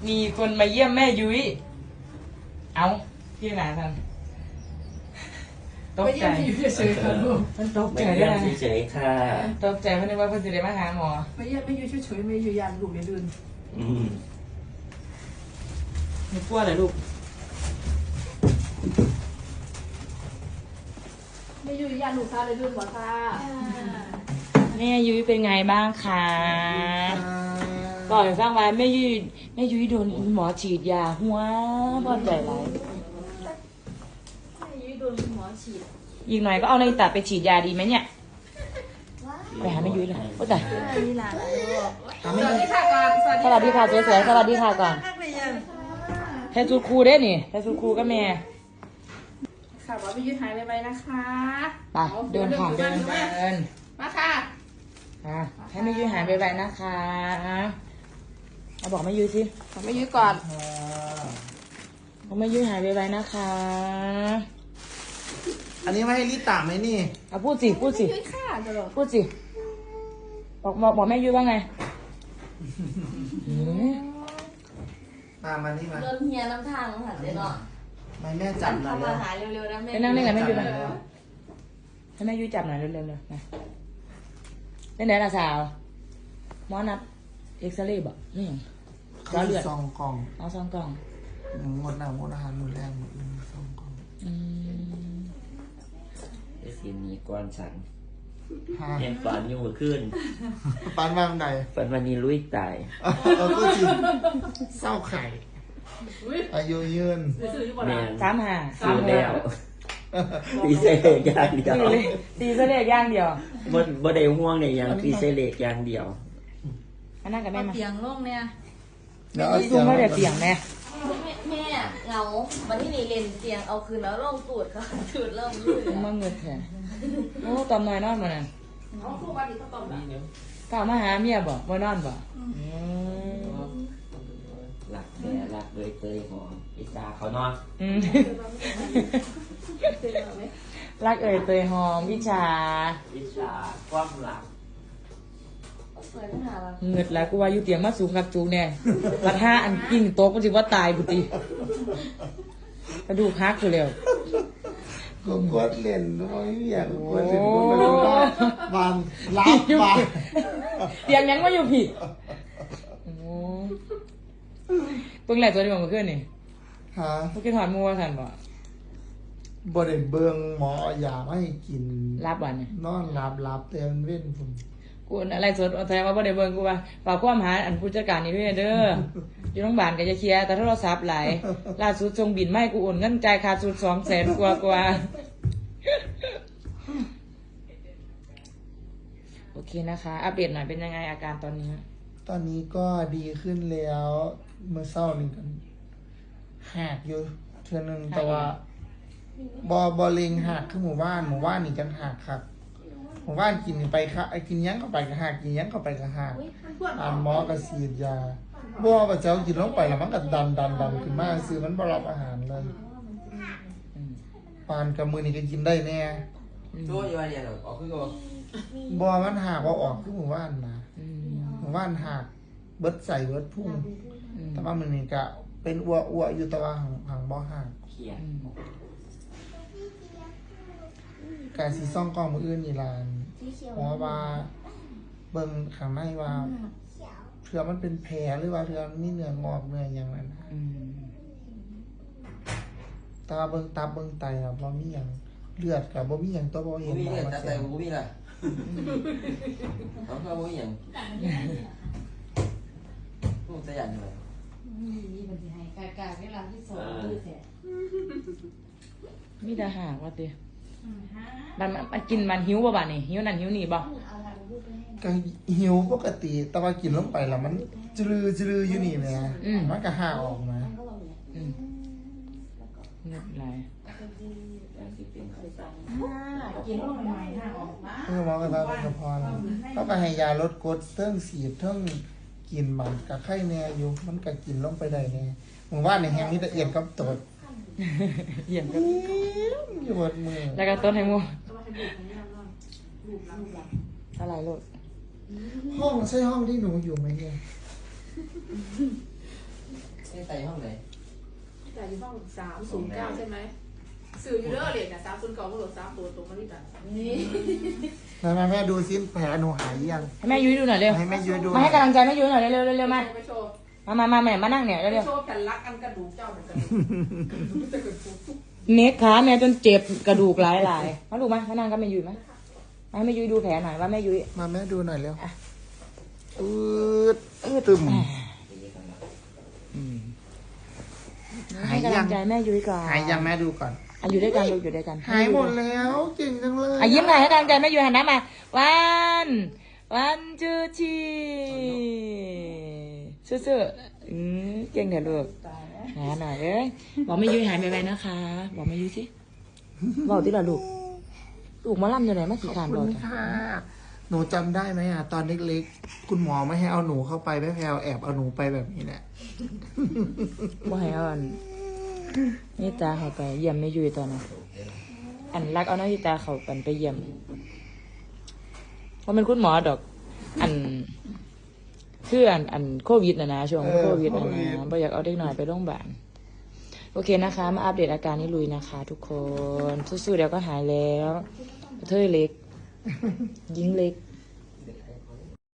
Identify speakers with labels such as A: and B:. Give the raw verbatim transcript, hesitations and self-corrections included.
A: มีคนมาเยี่ยมแม่ยุ้ยเอาพี่หนาทันตกใจมันตกใจได้ไง
B: เฉยๆค่ะ
A: ตกใจเพราะนึกว่าเพิ่นจะได้มาหาหมอ
C: ไม่เยี่ยมไม่อยู่เฉยๆไม่อยู่ยานลูกเดือน
B: อืม
A: มีกลัวเหรอลูก
C: ไม่อยู่ยานลูกค้าเลยเดือนหมอค่ะ
A: แม่ยุ้ยเป็นไงบ้างคะก่อนฟังไว้แม่ยุ้ยแม่ยุ้ยโดนหมอฉีดยาหัวพอใจไร
C: ไม่อยู่โดนหมอฉีด
A: อีกหน่อยก็เอาในตัดไปฉีดยาดีไหมเนี่ยไปหาแม่ยุ้ยเลยโอ้แต่
C: นี่หลาน
A: หา
C: ส
A: แม่
C: วัส
A: ยุ้
C: ดี
A: ย
C: ค่ะก่อน
A: สวัสดีค่ะสวยๆสวัสดีค่ะก่อนแทนซูครูได้นี่แทนซูครูก็แม่
C: ค่ะว่าไม่ยืดหายไปนะคะ
A: ไปเดินผ่านเดินเดิน
C: มาค่ะ
A: อ่ะให้แม่ยุ้ยหายไปไปนะคะเอาบอกแม่ยุ้ยสิ
C: ไม่ยืดก่อน
A: บอกแม่ยุ้ยหายไปไปนะคะ
D: อันนี้ไม่ให้ลิตาไหมนี่
A: เอาพูดสิพูดสิ
C: ยืดค่ะตลอด
A: พูดสิบอกบอกบอกแม่ยุ้ยว่าไงหืม
D: มามานี่มา
E: เริ่มเฮียน้ำทางหันเลยเนาะ
D: ไม่แม่จับหน่อย
E: เข้า
D: เล
E: มาย หาเร็วๆนะแม่
A: ไปนั่งเล่นกับแม่ยุ้ยไป
D: จับหน่อ
A: ให้แม่ยุ้ยจับหน่อยเร็วๆเลยนะเล่นไหนล่ะสาวหมอนัดเอ็กซเรย์บอกนี่หยัง
D: เขามีซองกล่อง
A: เอาซองกล่อง
D: หมดหน้าหมดอาหารหมดแรงหมดเลยซองกล่อง
A: อืม
B: ไอ้สิมีก้อนสัน
D: ฮะ
B: เห็นฝันอยู่ขึ้น
D: ปานมาไหน
B: ฝันวันนี้ลุยตาย
D: เออก็จริงเศร้าไข่ อายุยืน
B: แม่น
A: สามห้า
B: ซื้อแล้วตีเสลกอย่างเดียว
A: ตีเลยตีเสลกย่างเดียว
B: บ่บ่ได้ห่วงเนี่ยยังตีเสลกอย่างเดียว
A: อันนั้นกับแม่มา
E: เตียงโล่งเนี่ย
D: เดี๋ยวเอา
A: ซุ่มไม่ได้เตียงแม่
E: แม่เหงาวันที่นี่เล่นเตียงเอาคืนแล้วลงตูดเขาตูดเริ่มลื่น
A: มาเงินแทนโอ้ตอมน้อยนอนมานั่น
C: เขาคู่วันนี้เขาตอบแบบ
A: กล่าวมาหาเมียบ่บ่นอนบ่อืม
B: หลักแม่หลักเลยเตยหอมอิจาเขานอน
A: อืมรักเอ่ยเตยหอมวิชา
B: อิจาความหลัก
E: เปิดหาเรา
A: เงิดแล้วกูว่าอยู่เตียงมาสูงกับจูงแน่ปัดห้าอันกิ่งโต๊ะก็สิว่าตายบุติกระดูกหักอยู่แล้ว
D: ก็กดเล่นด้วยอยากกดเล่นก็ไม่รู้ว่าบานรับมา
A: เตียงยังไม่อยู่ผิดโอ้เพิ่งไหลตัวเดียวมาขึ้นนี่
D: ฮะ
A: เมื่อกี้ถอดมัวสันบ่
D: บ่ได้เบิ่งหมอเอายามาให้กิน
A: รับวันเนี่ย
D: นอนหลับหลับแต่มันเว้นผม
A: กูอะไรสดแสดงว่าบ่ได้เบิ่งกูว่าฝากความหาอันผู้จัดการนี่ด้วยเด้ออยู่โรงพยาบาลก็จะเคลียร์แต่โทรศัพท์หลายล่าสุดส่งบินมาให้กูโอนเงินจ่ายค่าสุดสองแสนกว่ากว่าโอเคนะคะ อัปเดตหน่อยเป็นยังไงอาการตอนนี้
D: ตอนนี้ก็ดีขึ้นแล้วเมื่อเช้านี่กันหักอยู่เทื่อนึงแต่ว่าบอบอเลงหักคือหมู่บ้านหมู่บ้านนี่จังหักครับหมู่บ้านกินไปค่ะกินหยังเข้าไปก็หักกินหยังเข้าไปก็หักอ่านหมอก็ฉีดยาบัวก็เจ้ากินลงไปแล้วมันก็ดันดันดันขึ้นมาซื้อมันบ่รับอาหารเลย
A: อืม
D: ปานกับมือนี่ก็กินได้แน่
B: ตัวอยู่ว่าเนี่ยหรอออกคือก็
D: บัวมันหักว่าออกคือหมู่บ้านมา
A: อืม
D: หมู่บ้านหักเบิดใส่เบิดพุ่ง
A: อืม
D: แต่ว่ามันนี่ก็เป็นอ้วอ้วอยู่แต่ว่าหางหางบ่หัก
B: เขียน
A: อืม
D: การสีซ่องกล้องมืออื่นนี่ลานหมอว่าเบิ่งข้างในว่าเถื่อมันเป็นแผลหรือว่าเถื่อมันมีเนื้องอกเนื้ออย่างนั้นนะ
A: อืม
D: แต่ว่าเบิ่งตับเบิ่งไตอะบ่มีหยังเลือดกับบ่มีหยังตัวบ่เห็น
B: มี
D: หมอ
B: เนี่ย
D: มา
B: แต่
D: แส
B: แต่
D: ดง
B: กูมีล่ะเขาก็บ่มีหยังกูจะยันเลย
E: นี่มันจะให้กากาเวลาที่สองดูเสร็จ
A: มีแต่หากว่าติมันมันมันกินมันหิวบ่บ่านี่หิวนั่นหิวนี่บ่
E: เอาทางรูปไปให้
D: ก็หิวปกติ แต่ว่ากินลงไปแล้วมันจลือจลืออยู่นี่แหละมันก็ห่าออกมา
E: ก็เราเนี่ย
A: อืมเงียบไหลาย
B: ยังสิเป็นไข้ตัง
E: กินลงใหม่ๆห้าออกมา
D: เออหมอก็ว่ามันก็พอแล้วเขาก็ให้ยาลดกรดเทิงสีดเทิงกินมันก็ไข้แน่อยู่มันก็กินลงไปได้แน่หมู่บ้านในแห่งนี้ละเอียดกับตด
A: เยี่ยมก็
D: อยู่บนมือ
A: แล้วก็ต้นให้หมู
C: ก็มาให้บุกให้เราลูกหลังลูกหลัง
A: อะไรลูก
D: ห้องใช่ห้องที่หนูอยู่ไหมเนี่ย
B: ไม่ใส่ห้องไหน
C: แต่อยู่ห้องสามศูนย์เก้าใช่ไหมสื่ออยู่เด้อเลยนะสามศูนย์เก้าก็โหลดสามตัวตรงมาที่กันนี่
D: แม่แม่แม่ดูซิแผลหนูหายยัง
A: ให้แม่ยุ้ยดูหน่อยเร็ว
D: ให้แม่ยุ้ยดู
A: มาให้กำลังใจแม่ยุ้ยหน่อยเร็วเร็วเร็วเร็วมา
C: ไปโชว์
A: มามามาแม่มานั่งเนี่ยเร็วเร็ว
C: โชว์แผ่นรักอันกระดูกเจ้าเหมือนกันจะเกิดปุ๊บ
A: เน็กขาแม่จนเจ็บกระดูกหลายหลายมาลูกมามานั่งกับแม่ยุ้ยมามาให้แม่ยุ้ยดูแผลหน่อยว่าแม่ยุ้ย
D: มาแม่ดูหน่อยเร็วอืดอืดตึม
A: ให้กำลังใจแม่ยุ้ยก่อน
D: หายยังแม่ดูก่อน
A: อ่ะอยู่ด้วยกันลูกอยู่ด้วยกัน
D: หายหมดแล้วเก่งจังเลย
A: อ่ะยิ้มหน่อยให้กำลังใจแม่ยุ้ยหันหน้ามาวันวันจูชีสู้ๆอืมเก่งเถอะลูกหาหน่อยเอ้ยบอกแม่ยุ้ยหายไปๆนะคะ บอกแม่ยุ้ยสิบอกที่ละลูกลูกหมาล่ำอยู่ไหนมา
D: ข
A: กี่
D: อบ
A: ขาน
D: คุ
A: บอก
D: ณ
A: จ้ะ
D: ค่ะ หนูจำได้ไหมอ่ะตอนเล็กๆคุณหมอไม่ให้เอาหนูเข้าไปแม่แพลวแอบเอาหนูไปแบบนี้แหละ
A: ว่าให้เอาอันนี่ตาเขาไปเยี่ยมแม่ยุ้ยตอนนั้นอันรักเอาหน้าที่ตาเขาปันไปเยี่ยมว่าเป็นคุณหมอดอก อันคืออันอันโควิดนะนะช่วงโควิดนะนะบ่อยากเอาเด็กหน่อยไปโรงพยาบาลโอเคนะคะ มาอัปเดตอาการนี้ลุยนะคะ ทุกคนสู้ๆเดี๋ยวก็หายแล้วกระเทยเล็ก ยิงเล็ก